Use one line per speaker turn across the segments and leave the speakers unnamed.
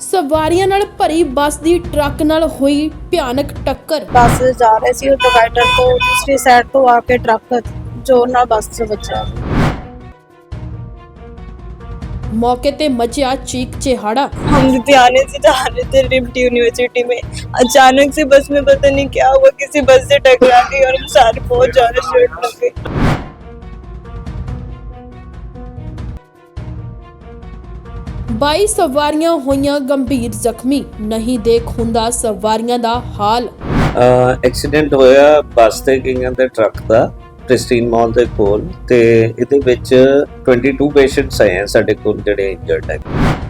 ਸਵਾਰੀਆਂ ਨਾਲ ਭਰੀ ਬੱਸ ਦੀ ਟਰੱਕ ਨਾਲ ਹੋਈ ਭਿਆਨਕ ਟੱਕਰ।
ਬੱਸ ਜਾ ਰਹੇ ਸੀ ਡਿਵਾਈਡਰ ਤੋਂ ਦੂਸਰੀ ਸਾਈਡ ਤੋਂ ਆ ਕੇ ਟਰੱਕ ਜ਼ੋਰ ਨਾਲ ਬੱਸ 'ਚ ਵੱਜਾ।
मौके ते मचा चीख चिहाड़ा।
हम लुधियाने से जा रहे थे रिम्ट यूनिवर्सिटी में, अचानक से बस में पता नहीं क्या हुआ, किसी बस से टकरा गई और हम सारे बहुत ज्यादा चोट लग गई।
22 सवारियां होईयां गंभीर जख्मी, नहीं देख हुंदा सवारियां दा हाल।
ਐਕਸੀਡੈਂਟ ਹੋਇਆ ਬੱਸ ਤੇ ਗਈਆਂ ਦੇ ਟਰੱਕ ਦਾ ਪ੍ਰਿਸਟੀਨ ਮਾਲ ਦੇ ਕੋਲ ਤੇ ਇਹਦੇ ਵਿੱਚ 22 ਪੇਸ਼ੈਂਟਸ ਆਏ ਆ ਸਾਡੇ ਕੋਲ ਜਿਹੜੇ ਇੰਜਰਡ ਹੈ।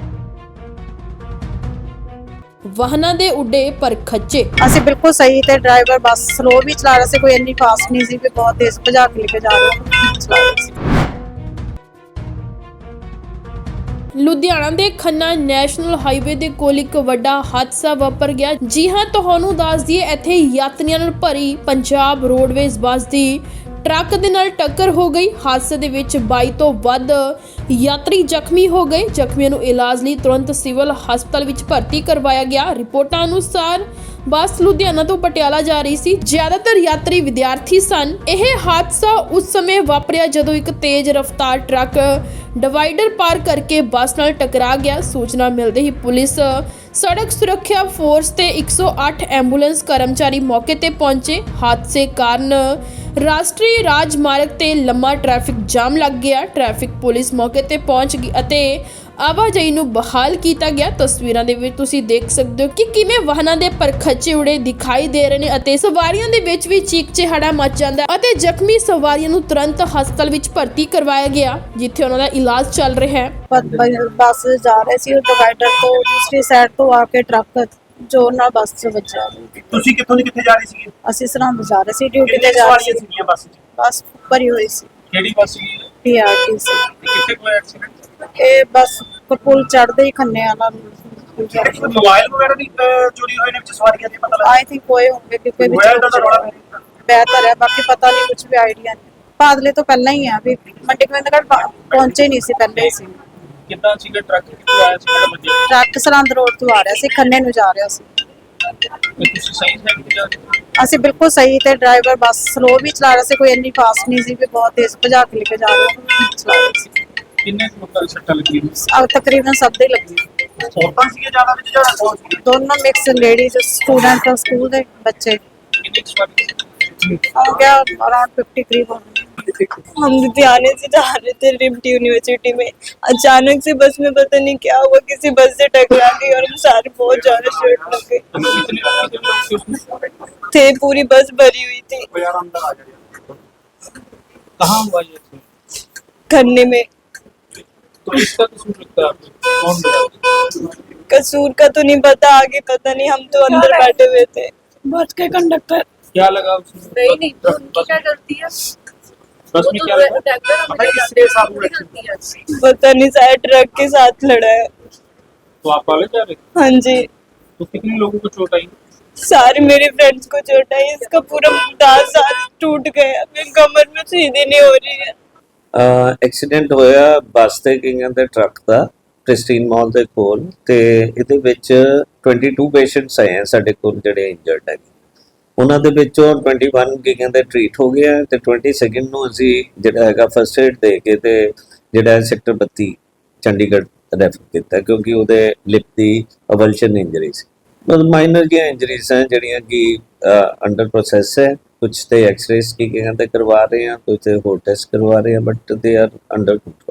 ਵਾਹਨਾਂ ਦੇ ਉੱਡੇ ਪਰ ਖੱਚੇ।
ਅਸੀਂ ਬਿਲਕੁਲ ਸਹੀ ਤੇ ਡਰਾਈਵਰ ਬੱਸ ਸਲੋ ਵੀ ਚਲਾ ਰਿਹਾ ਸੀ, ਕੋਈ ਇੰਨੀ ਫਾਸਟ ਨਹੀਂ ਸੀ ਵੀ ਬਹੁਤ ਤੇਜ਼ ਭਜਾ ਕੇ ਲੈ ਕੇ ਜਾ ਰਿਹਾ ਸੀ।
ਲੁਧਿਆਣਾ ਦੇ ਖੰਨਾ ਨੈਸ਼ਨਲ ਹਾਈਵੇ ਦੇ ਕੋਲ ਇੱਕ ਵੱਡਾ ਹਾਦਸਾ ਵਾਪਰ ਗਿਆ। ਜੀ ਹਾਂ, ਤੁਹਾਨੂੰ ਦੱਸ ਦਈਏ ਇੱਥੇ ਯਾਤਰੀਆਂ ਨਾਲ ਭਰੀ ਪੰਜਾਬ ਰੋਡਵੇਜ਼ ਬੱਸ ਦੀ ਟਰੱਕ ਦੇ ਨਾਲ ਟੱਕਰ ਹੋ ਗਈ। ਹਾਦਸੇ ਦੇ ਵਿੱਚ 22 ਤੋਂ ਵੱਧ ਯਾਤਰੀ ਜ਼ਖਮੀ ਹੋ ਗਏ। ਜ਼ਖਮੀਆਂ ਨੂੰ ਇਲਾਜ ਲਈ ਤੁਰੰਤ ਸਿਵਲ ਹਸਪਤਾਲ ਵਿੱਚ ਭਰਤੀ ਕਰਵਾਇਆ ਗਿਆ। ਰਿਪੋਰਟਾਂ ਅਨੁਸਾਰ ਬੱਸ ਲੁਧਿਆਣਾ ਤੋਂ ਪਟਿਆਲਾ ਜਾ ਰਹੀ ਸੀ। ਜ਼ਿਆਦਾਤਰ ਯਾਤਰੀ ਵਿਦਿਆਰਥੀ ਸਨ। ਇਹ ਹਾਦਸਾ ਉਸ ਸਮੇਂ ਵਾਪਰਿਆ ਜਦੋਂ ਇੱਕ ਤੇਜ਼ ਰਫ਼ਤਾਰ ਟਰੱਕ ਡਿਵਾਈਡਰ ਪਾਰ ਕਰਕੇ ਬੱਸ ਨਾਲ ਟਕਰਾ ਗਿਆ। ਸੂਚਨਾ ਮਿਲਦੇ ਹੀ ਪੁਲਿਸ, ਸੜਕ ਸੁਰੱਖਿਆ ਫੋਰਸ ਤੇ 108 ਐਂਬੂਲੈਂਸ ਕਰਮਚਾਰੀ ਮੌਕੇ ਤੇ ਪਹੁੰਚੇ। ਹਾਦਸੇ ਕਾਰਨ ਰਾਸ਼ਟਰੀ ਰਾਜਮਾਰਗ ਤੇ ਲੰਮਾ ਟ੍ਰੈਫਿਕ ਜਾਮ ਲੱਗ ਗਿਆ। ਟ੍ਰੈਫਿਕ ਪੁਲਿਸ ਮੌਕੇ ਤੇ ਪਹੁੰਚ ਗਈ ਅਤੇ ਆਵਾਜਾਈ ਨੂੰ ਬਹਾਲ ਕੀਤਾ ਗਿਆ। ਤਸਵੀਰਾਂ ਦੇ ਵਿੱਚ ਤੁਸੀਂ ਦੇਖ ਸਕਦੇ ਹੋ ਕਿ ਕਿਵੇਂ ਵਾਹਨਾਂ ਦੇ ਪਰਖੱਚੇ ਉੜੇ ਦਿਖਾਈ ਦੇ ਰਹੇ ਨੇ ਅਤੇ ਸਵਾਰੀਆਂ ਦੇ ਵਿੱਚ ਵੀ ਚੀਕ ਚਿਹਾੜਾ ਮਚ ਜਾਂਦਾ ਅਤੇ ਜ਼ਖਮੀ ਸਵਾਰੀਆਂ ਨੂੰ ਤੁਰੰਤ ਹਸਪਤਾਲ ਵਿੱਚ ਭਰਤੀ ਕਰਵਾਇਆ ਗਿਆ, ਜਿੱਥੇ ਉਹਨਾਂ ਦਾ ਇਲਾਜ ਚੱਲ ਰਿਹਾ ਹੈ।
ਬੱਸ ਜਾ ਰਹੇ ਸੀ ਡਿਵਾਈਡਰ ਤੋਂ ਦੂਸਰੀ ਸਾਈਡ ਤੋਂ ਆ ਕੇ ਟਰੱਕ ਜ਼ੋਰ ਨਾਲ ਬੱਸ 'ਚ ਵੱਜਾ।
ਤੁਸੀਂ ਕਿੱਥੋਂ ਦੀ ਕਿੱਥੇ ਜਾ ਰਹੇ ਸੀਗੇ?
ਅਸੀਂ ਸਰਹੰਦ ਜਾ ਰਹੇ ਸੀ, ਡਿਊਟੀ ਤੇ ਜਾ
ਸਵਾਰੀਆਂ
ਰਹੇ ਸੀ।
ਸੀਗੀਆਂ ਬੱਸ 'ਚ?
ਬੱਸ ਭਰੀ ਹੋਈ ਸੀ,
ਕਿਹੜੀ ਬੱਸ ਸੀ?
PRTC।
ਕਿੱਥੇ ਕੋਈ ਐਕਸੀਡੈਂਟ?
ਇਹ ਬੱਸ ਪੁਲ ਚੜ੍ਹਦੇ ਹੀ ਖੰਨੇ ਵਾਲਾ
ਮੋਬਾਈਲ ਵਗੈਰਾ ਦੀ ਚੋਰੀ ਹੋਏ ਨੇ ਵਿੱਚ ਸਵਾਰੀਆਂ ਦੇ ਪਤਾ ਲੱਗਾ?
ਆਈ ਥਿੰਕ ਹੋਏ ਹੋਣਗੇ ਕਿਉਂਕਿ
ਮੋਬਾਈਲ ਦਾ ਤਾਂ ਰੌਲਾ
ਬਿਹਤਰ ਹੈ, ਬਾਕੀ ਪਤਾ ਨਹੀਂ, ਕੁਝ ਵੀ ਆਈਡੀਆ ਨਹੀਂ। ਬਾਦਲੇ ਤੋਂ ਪਹਿਲਾਂ ਹੀ ਆ ਵੀ ਮੰਡੀ ਗੋਬਿੰਦਗੜ੍ਹ ਪਹੁੰਚੇ ਨਹੀਂ ਸੀ, ਪਹਿਲੇ ਹੀ ਸੀ।
ਕਿੱਦਾਂ ਸੀਗਾ ਟਰੱਕ, ਕਿੱਥੋਂ ਆਇਆ ਸੀ, ਕਿਹੜਾ ਵੱਜਿਆ?
ਟਰੱਕ ਸਰਹੰਦ ਰੋਡ ਤੋਂ ਆ ਰਿਹਾ ਸੀ, ਖੰਨੇ ਨੂੰ ਜਾ ਰਿਹਾ ਸੀ।
ਤੁਸੀਂ ਸਹੀ ਸਾਈਡ ਤੇ ਜਾ ਰਹੇ ਸੀ?
ਅਸੀਂ ਬਿਲਕੁਲ ਸਹੀ ਤੇ ਡਰਾਈਵਰ ਬੱਸ ਸਲੋ ਵੀ ਚਲਾ ਰਿਹਾ ਸੀ, ਕੋਈ ਇੰਨੀ ਫਾਸਟ ਨਹੀਂ ਸੀ ਵੀ ਬਹੁਤ ਤੇਜ਼ ਭਜਾ ਕੇ ਲੈ ਕੇ ਜਾ ਰਿਹਾ ਸੀ।
ਕਿੰਨੇ ਲੋਕਾਂ ਦੀ ਸੱਟਾਂ ਲੱਗੀਆਂ?
ਤਕਰੀਬਨ ਸਭ ਦੇ ਲੱਗੀ।
ਔਰਤਾਂ ਸੀਗੇ ਜ਼ਿਆਦਾ ਵਿੱਚ ਜਾਂ ਕੌਣ ਸੀ?
ਦੋਨੋਂ ਮਿਕਸ, ਲੇਡੀਜ਼ ਸਟੂਡੈਂਟ ਸਕੂਲ ਦੇ ਬੱਚੇ।
ਕਿੰਨੇ ਸਵਾਰੀ?
हो गया अराउंड 50 करीब होंगे। हम लुधियाने से जा रहे थे रिम्ट यूनिवर्सिटी में, अचानक से बस में पता नहीं क्या हुआ, किसी बस से टकरा गई और हम सारे बहुत ज्यादा चोट लग गई। थे पूरी बस भरी हुई थी।
कहाँ हुआ ये?
खन्ने में।
तो इसका कसूर लगता है आपको? कौन लगा?
कसूर का तो नहीं पता, आगे पता नहीं, हम तो अंदर बैठे हुए थे। बस के कंडक्टर
क्या लगा उसमें?
नहीं उनकी क्या गलती है?
बस में क्या लगा?
किसके साथ गलती है?
पता नहीं, शायद ट्रक के साथ लड़ा है।
तो आप कॉलेज जा रहे थे?
हाँ जी।
तो कितने लोगों को चोट आई?
सारे मेरे फ्रेंड्स को चोट आई, इसका पूरा दांत सारे टूट गया, मेरी कमर में सीधी नहीं हो रही है।
ਐਕਸੀਡੈਂਟ ਹੋਇਆ ਬੱਸ ਤੇ ਗਈਆਂ ਦੇ ਟਰੱਕ ਦਾ ਪ੍ਰਿਸਟੀਨ ਮਾਲ ਦੇ ਕੋਲ ਤੇ ਇਹਦੇ ਵਿੱਚ 22 ਪੇਸ਼ੈਂਟਸ ਆਏ ਆ ਸਾਡੇ ਕੋਲ ਜਿਹੜੇ ਇੰਜਰਡ ਹੈ। ਉਹਨਾਂ ਦੇ ਵਿੱਚੋਂ 21 ਗਈਆਂ ਦੇ ਟ੍ਰੀਟ ਹੋ ਗਿਆ ਤੇ 22 ਨੂੰ ਅਸੀਂ ਜਿਹੜਾ ਹੈਗਾ ਫਸਟ ਏਡ ਦੇ ਕੇ ਤੇ ਜਿਹੜਾ ਸੈਕਟਰ 32 ਚੰਡੀਗੜ੍ਹ ਰੈਫਰ ਕੀਤਾ, ਕਿਉਂਕਿ ਉਹਦੇ ਲਿਪ ਦੀ ਅਵਲਸ਼ਨ ਇੰਜਰੀ ਸੀ। ਬਸ ਮਾਈਨਰ ਜਿਹੀਆਂ ਇੰਜਰੀਜ਼ ਹੈ ਜਿਹੜੀਆਂ ਕਿ ਅੰਡਰ ਪ੍ਰੋਸੈਸ ਹੈ। ਕੁਝ ਤੇ ਐਕਸ-ਰੇਜ਼ ਕੀ ਕਹਿੰਦੇ ਕਰਵਾ ਰਹੇ ਹਾਂ, ਕੁਝ ਤੇ ਹੋਰ ਟੈਸਟ ਕਰਵਾ ਰਹੇ ਹਾਂ, but they are under control.